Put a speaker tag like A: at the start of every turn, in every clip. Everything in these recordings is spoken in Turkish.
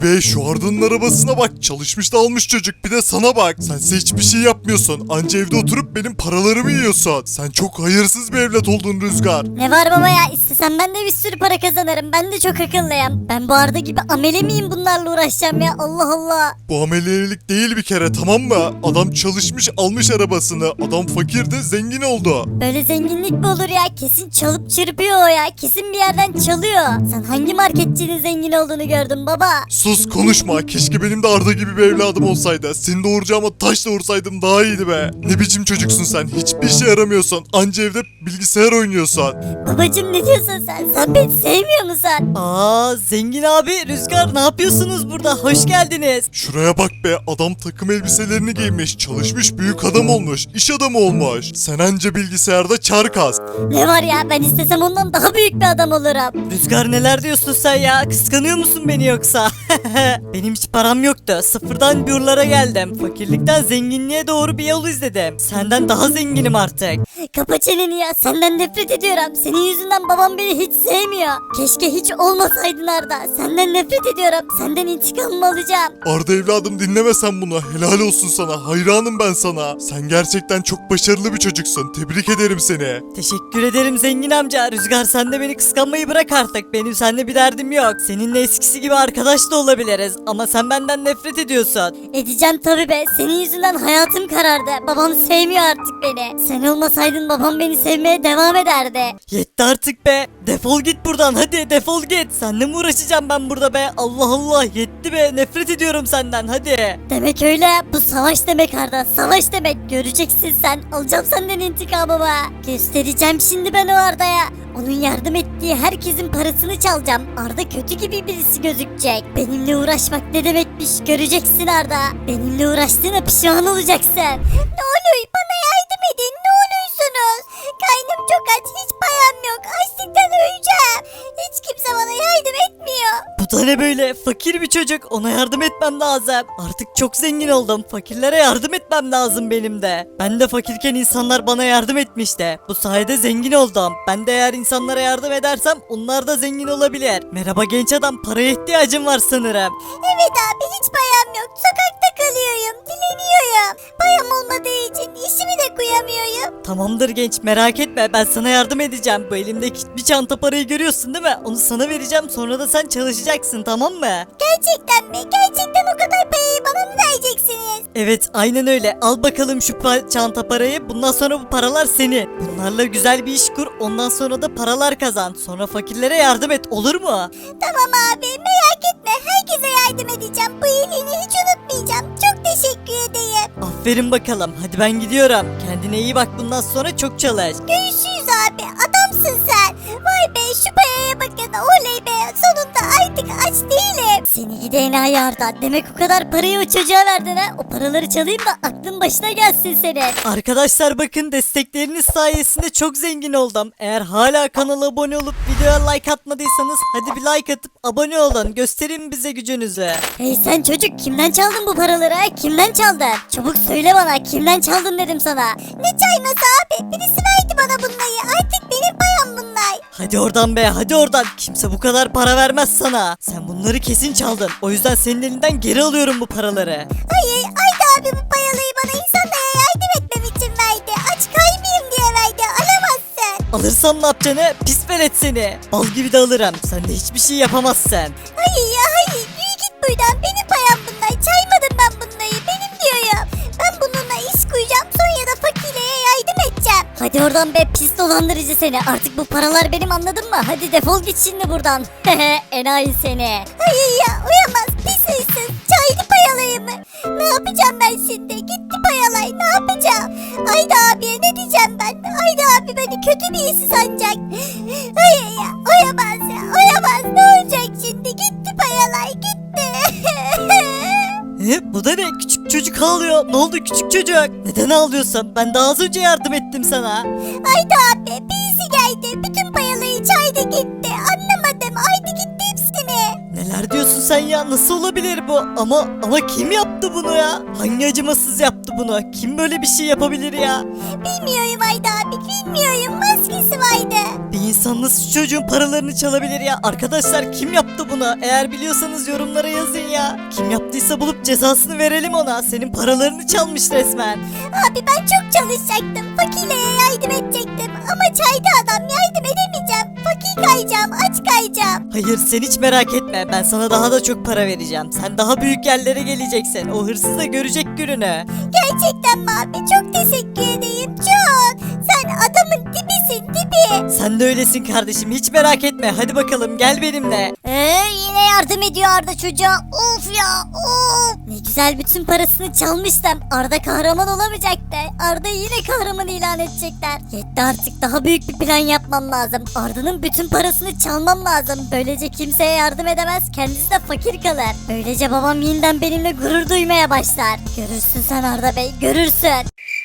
A: Be şu Arda'nın arabasına bak, çalışmış da almış çocuk, bir de sana bak. Sense hiçbir şey yapmıyorsun, anca evde oturup benim paralarımı yiyorsun. Sen çok hayırsız bir evlat oldun Rüzgar.
B: Ne var baba ya, istesem ben de bir sürü para kazanırım. Ben de çok akıllıyım. Ben bu Arda gibi amele miyim bunlarla uğraşacağım ya, Allah Allah.
A: Bu ameliyelik değil bir kere, tamam mı? Adam çalışmış almış arabasını, adam fakirdi zengin oldu.
B: Böyle zenginlik mi olur ya? Kesin çalıp çırpıyor o ya. Kesin bir yerden çalıyor. Sen hangi marketçinin zengin olduğunu gördün baba?
A: Sus konuşma, keşke benim de Arda gibi bir evladım olsaydı. Seni doğuracağıma taş doğursaydım daha iyiydi be. Ne biçim çocuksun sen, hiçbir işe yaramıyorsun, anca evde bilgisayar oynuyorsun.
B: Babacım ne diyorsun sen? Sen beni sevmiyor musun?
C: Aa, zengin abi, Rüzgar, ne yapıyorsunuz burada? Hoş geldiniz.
A: Şuraya bak be, adam takım elbiselerini giymiş, çalışmış, büyük adam olmuş, iş adamı olmuş. Sen anca bilgisayarda çar kas.
B: Ne var ya, ben istesem ondan daha büyük bir adam olurum.
C: Rüzgar, neler diyorsun sen ya? Kıskanıyor musun beni yoksa? Benim hiç param yoktu. Sıfırdan bir yurlara geldim. Fakirlikten zenginliğe doğru bir yol izledim. Senden daha zenginim artık.
B: Kapa çeneni ya, senden nefret ediyorum. Senin yüzünden babam beni hiç sevmiyor. Keşke hiç olmasaydın Arda. Senden nefret ediyorum. Senden intikamımı alacağım.
A: Arda evladım, dinleme sen bunu, helal olsun sana, hayranım ben sana. Sen gerçekten çok başarılı bir çocuksun, tebrik ederim seni.
C: Teşekkür ederim zengin amca. Rüzgar, sen de beni kıskanmayı bırak artık. Benim seninle bir derdim yok. Seninle eskisi gibi arkadaş da olabiliriz. Ama sen benden nefret ediyorsun.
B: Edeceğim tabii be. Senin yüzünden hayatım karardı. Babam sevmiyor artık beni. Sen olmasaydın babam beni sevmeye devam ederdi.
C: Yetti artık be. Defol git buradan, hadi defol git. Seninle mi uğraşacağım ben burada be? Allah Allah, yetti be. Nefret ediyorum senden, hadi.
B: Demek öyle. Bu savaş demek Arda. Savaş demek. Göreceksin sen. Alacağım senden intikamımı. Göstereceğim şimdi ben o Arda'ya. Onun yardım ettiği herkesin parasını çalacağım. Arda kötü gibi birisi gözükecek. Benimle uğraşmak ne demekmiş göreceksin Arda. Benimle uğraştığına pişman olacaksın. Ne oluyor, bana yardım edin, ne oluyorsunuz? Karnım çok aç, hiç param yok. Açlıktan öleceğim. Hiç kimse bana yardım etmiyor.
C: Bu da ne böyle? Fakir bir çocuk. Ona yardım etmem lazım. Artık çok zengin oldum. Fakirlere yardım etmem lazım benim de. Ben de fakirken insanlar bana yardım etmişti. Bu sayede zengin oldum. Ben de eğer insanlara yardım edersem onlar da zengin olabilir. Merhaba genç adam, paraya ihtiyacım var sanırım.
B: Evet abi, hiç payam yok. Sokakta kalıyorum, dileniyorum. Payam olmadığı için işimi de kuyamıyorum.
C: Tamamdır genç, merak etme, ben sana yardım edeceğim. Bu elimdeki bir çanta parayı görüyorsun değil mi? Onu sana vereceğim, sonra da sen çalışacaksın, tamam mı?
B: Gerçekten mi? Gerçekten o kadar parayı bana mı vereceksiniz?
C: Evet, aynen öyle. Al bakalım şu çanta parayı. Bundan sonra bu paralar senin. Bunlarla güzel bir iş kur. Ondan sonra da paralar kazan. Sonra fakirlere yardım et, olur mu?
B: Tamam abi, merak etme. Herkese yardım edeceğim. Bu iyiliğini hiç unutmayacağım. Çok teşekkür ederim.
C: Aferin bakalım. Hadi ben gidiyorum. Kendine iyi bak, bundan sonra çok çalış.
B: Görüşürüz abi. Adamsın sen. Vay be, şu paraya bakın. Oley be. Sonunda artık aç değilim. Seni gidi enayi Arda. Demek o kadar parayı o çocuğa verdin ha. O paraları çalayım da aklın başına gelsin senin.
C: Arkadaşlar bakın, destekleriniz sayesinde çok zengin oldum. Eğer hala kanala abone olup videoya like atmadıysanız hadi bir like atıp abone olun. Gösterin bize gücünüzü.
B: Hey sen çocuk, kimden çaldın bu paraları ha? Kimden çaldın? Çabuk söyle bana, kimden çaldın dedim sana. Ne çayması abi? Birisi verdi bana bunları. Artık benim param bunlar.
C: Hadi oradan be, hadi oradan. Kimse bu kadar para vermez sana. Sen bunları kesin çaldın. O yüzden senin elinden geri alıyorum bu paraları.
B: Hayır, Ayda abi bu paraları bana insanlara yardım etmem için verdi. Aç kalmayayım diye verdi. Alamazsın.
C: Alırsam ne yapacaksın? Pis velet seni. Bal gibi de alırım. Sen de hiçbir şey yapamazsın.
B: Hayır ya hayır. Yürü git buradan. Benim payam bunlar. Çaymadım ben bunları. Benim diyorum. Ben bununla iş kuracağım. Sonra da fakirlere yardım edeceğim. Hadi oradan be, pis dolandırıcı seni. Artık bu paralar benim, anladın mı? Hadi defol git şimdi buradan. Enayi seni. Hayır ya, uyamaz. Pis hırsız. Çaylı payalayımı. Ne yapacağım ben şimdi? Gitti payalay. Ne yapacağım? Ayda abiye ne diyeceğim ben? Ayda abi beni kötü birisi sanacak. Hayır ya, uyamaz ya. Uyamaz. Ne olacak şimdi? Gitti payalay. Gitti.
C: Bu da ne? Küçük çocuk ağlıyor. Ne oldu küçük çocuk? Neden ağlıyorsun? Ben daha az önce yardım ettim sana.
B: Ayda abi birisi geldi. Bütün payalayı çayda gitti. Anlamadım. Ayda gitti hepsini.
C: Neler diyorsun sen ya? Nasıl olabilir bu? Ama kim yaptı bunu ya? Hangi acımasız yaptı bunu? Kim böyle bir şey yapabilir ya?
B: Bilmiyorum Ayda abi bilmiyorum maskesi vardı.
C: Bir insan nasıl şu çocuğun paralarını çalabilir ya? Arkadaşlar kim yaptı bunu? Eğer biliyorsanız yorumlara yazın ya. Kim yaptıysa bulup cezasını verelim ona. Senin paralarını çalmış resmen.
B: Abi ben çok çalışacaktım. Fakirliğe yardım edecektim. Ama çayda adam yardım edemeyeceğim. Fakir kayacağım, aç kayacağım.
C: Hayır sen hiç merak etme. Ben sana daha da çok para vereceğim. Sen daha büyük yerlere geleceksin. O hırsız da görecek gününü.
B: Gerçekten mi abi? Çok teşekkür edeyim çok. Sen adamın dibisin dibi.
C: Sen de öylesin kardeşim. Hiç merak etme. Hadi bakalım gel benimle.
B: Yine yardım ediyor Arda çocuğa. Of ya of. Ne güzel bütün parasını çalmıştım. Arda kahraman olamayacaktı. Arda yine kahraman ilan edecekler. Yetti artık daha büyük bir plan yapmam lazım. Arda'nın bütün parasını çalmam lazım. Böylece kimseye yardım edemez. Kendisi de fakir kalır. Böylece babam yeniden benimle gurur duymaya başlar. Görürsün sen Arda Bey görürsün.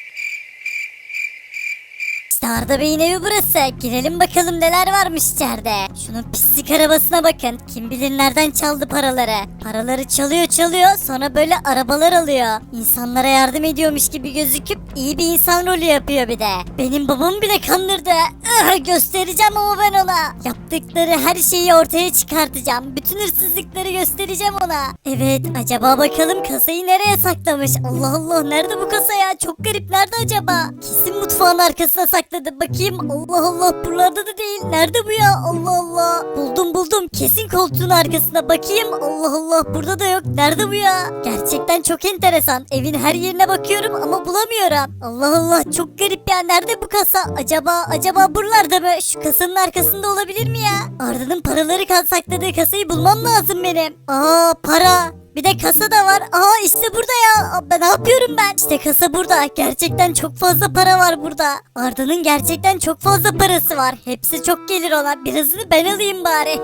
B: İşte Arda Bey'in evi burası. Girelim bakalım neler varmış içeride. Şunun pislik arabasına bakın. Kim bilir nereden çaldı paraları. Paraları çalıyor sonra böyle arabalar alıyor. İnsanlara yardım ediyormuş gibi gözüküp iyi bir insan rolü yapıyor bir de. Benim babamı bile kandırdı. Göstereceğim ama ben ona. Yaptıkları her şeyi ortaya çıkartacağım. Bütün hırsızlıkları göstereceğim ona. Evet acaba bakalım kasayı nereye saklamış? Allah Allah nerede bu kasa ya? Çok garip nerede acaba? Kesin mutfağın arkasına sakladı. Bakayım Allah Allah buralarda da değil. Nerede bu ya? Allah Allah. Buldum. Kesin koltuğun arkasına bakayım. Allah Allah burada da yok. Nerede bu ya? Gerçekten çok enteresan. Evin her yerine bakıyorum ama bulamıyorum. Allah Allah çok garip ya. Nerede bu kasa? Acaba buralarda mı? Şu kasanın arkasında olabilir mi ya? Arda'nın paraları sakladığı kasayı bulmam lazım benim. Aa para. Bir de kasa da var. Aa işte burada ya. Ben ne yapıyorum ben? İşte kasa burada. Gerçekten çok fazla para var burada. Arda'nın gerçekten çok fazla parası var. Hepsi çok gelir ona. Birazını ben alayım bari.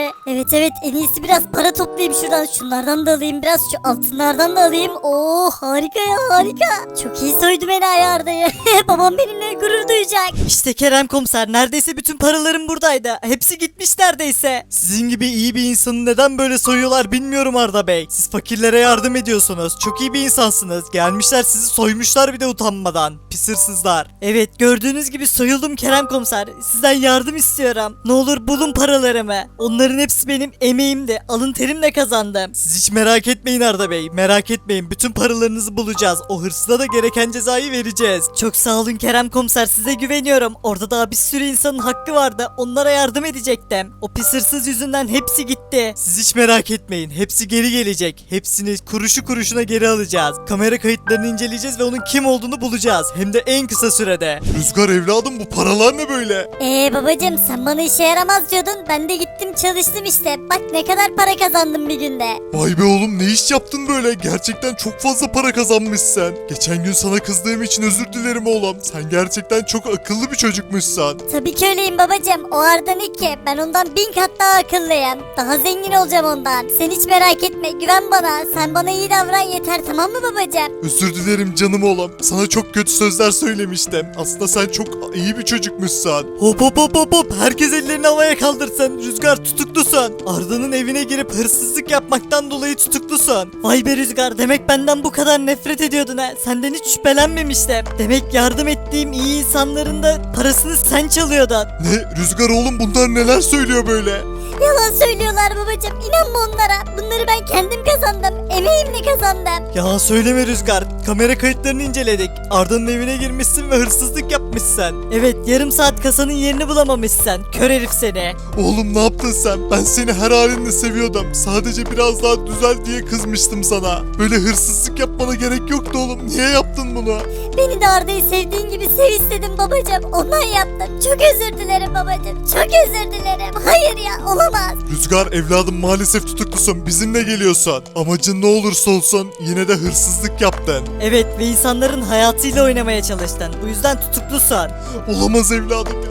B: Evet en iyisi biraz para toplayayım şuradan. Şunlardan da alayım biraz. Şu altınlardan da alayım. Oo harika ya harika. Çok iyi soydum enayi Arda'yı. Babam benimle gurur duyacak.
C: İşte Kerem komiser neredeyse bütün paralarım buradaydı. Hepsi gitmiş neredeyse.
A: Sizin gibi iyi bir insanı neden böyle soyuyorlar bilmiyorum Arda Bey. Siz fakirlere yardım ediyorsunuz. Çok iyi bir insansınız. Gelmişler sizi soymuşlar bir de utanmadan. Pis hırsızlar.
C: Evet gördüğünüz gibi soyuldum Kerem komiser. Sizden yardım istiyorum. Ne olur bulun paralarımı. Onların hepsi benim emeğimdi. Alın terimle kazandım.
A: Siz hiç merak etmeyin Arda Bey. Merak etmeyin. Bütün paralarınızı bulacağız. O hırsıza da gereken cezayı vereceğiz.
C: Çok sağ olun Kerem komiser size güveniyorum. Orada daha bir sürü insanın hakkı vardı. Onlara yardım edecektim. O pis hırsız yüzünden hepsi gitti.
A: Siz hiç merak etmeyin. Hepsi geri gelecek. Hepsini kuruşu kuruşuna geri alacağız. Kamera kayıtlarını inceleyeceğiz ve onun kim olduğunu bulacağız. Hem de en kısa sürede. Rüzgar evladım bu paralar ne böyle?
B: Babacım sen bana işe yaramaz diyordun. Ben de gittim çalıştım işte. Bak ne kadar para kazandım bir günde.
A: Vay be oğlum ne iş yaptın böyle? Gerçekten çok fazla para kazanmışsın. Geçen gün sana kızdığım için özür dilerim oğlum. Sen gerçekten çok akıllı bir çocukmuşsun.
B: Tabii ki öyleyim babacım. O Arda ne ki? Ben ondan 1000 kat daha akıllıyım. Daha zengin olacağım ondan. Sen hiç merak etme. Güven bana. Sen bana iyi davran yeter tamam mı babacım?
A: Özür dilerim canım oğlum. Sana çok kötü sözler söylemiştim. Aslında sen çok iyi bir çocukmuşsun.
C: Hop. Herkes ellerini havaya kaldırsın. Rüzgar tutuklusun. Arda'nın evine girip hırsızlık yapmaktan dolayı tutuklusun. Vay be Rüzgar demek benden bu kadar nefret ediyordun ha. Senden hiç şüphelenmemiştim. Demek yardım ettiğim iyi insanların da parasını sen çalıyordun.
A: Ne? Rüzgar oğlum bunlar neler söylüyor böyle?
B: Yalan söylüyorlar babacım. İnanma onlara. Bunları ben kendim kazandım. Emeğimle kazandım.
A: Yalan söyleme Rüzgar. Kamera kayıtlarını inceledik. Arda'nın evine girmişsin ve hırsızlık yapmışsın.
C: Evet yarım saat kasanın yerini bulamamışsın. Kör herif seni.
A: Oğlum ne yaptın sen? Ben seni her halinle seviyordum. Sadece biraz daha düzel diye kızmıştım sana. Böyle hırsızlık yapmana gerek yoktu oğlum. Niye yaptın bunu?
B: Beni de Arda'yı sevdiğin gibi sev istedim babacım. Ondan yaptım. Çok özür dilerim babacım. Çok özür dilerim. Hayır ya olamaz.
A: Rüzgar evladım maalesef tutuklusun. Bizimle geliyorsun. Amacın ne olursa olsun yine de hırsızlık yaptın.
C: Evet ve insanların hayatıyla oynamaya çalıştın. Bu yüzden tutuklusun.
A: Olamaz evladım ya.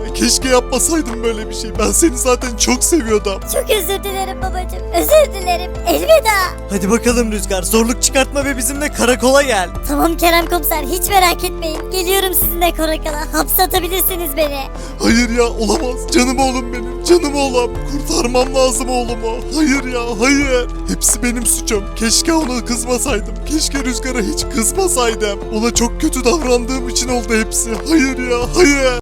D: ya. Keşke yapmasaydım böyle bir şey. Ben seni zaten çok seviyordum.
B: Çok özür dilerim babacığım. Özür dilerim. Elveda.
A: Hadi bakalım Rüzgar, zorluk çıkartma ve bizimle karakola gel.
B: Tamam Kerem komiser, hiç merak etmeyin. Geliyorum sizinle karakola. Hapse atabilirsiniz beni.
D: Hayır ya, olamaz. Canım oğlum benim. Canım oğlum. Kurtarmam lazım oğlumu. Hayır ya, hayır. Hepsi benim suçum. Keşke ona kızmasaydım. Keşke Rüzgar'a hiç kızmasaydım. Ona çok kötü davrandığım için oldu hepsi. Hayır ya, hayır.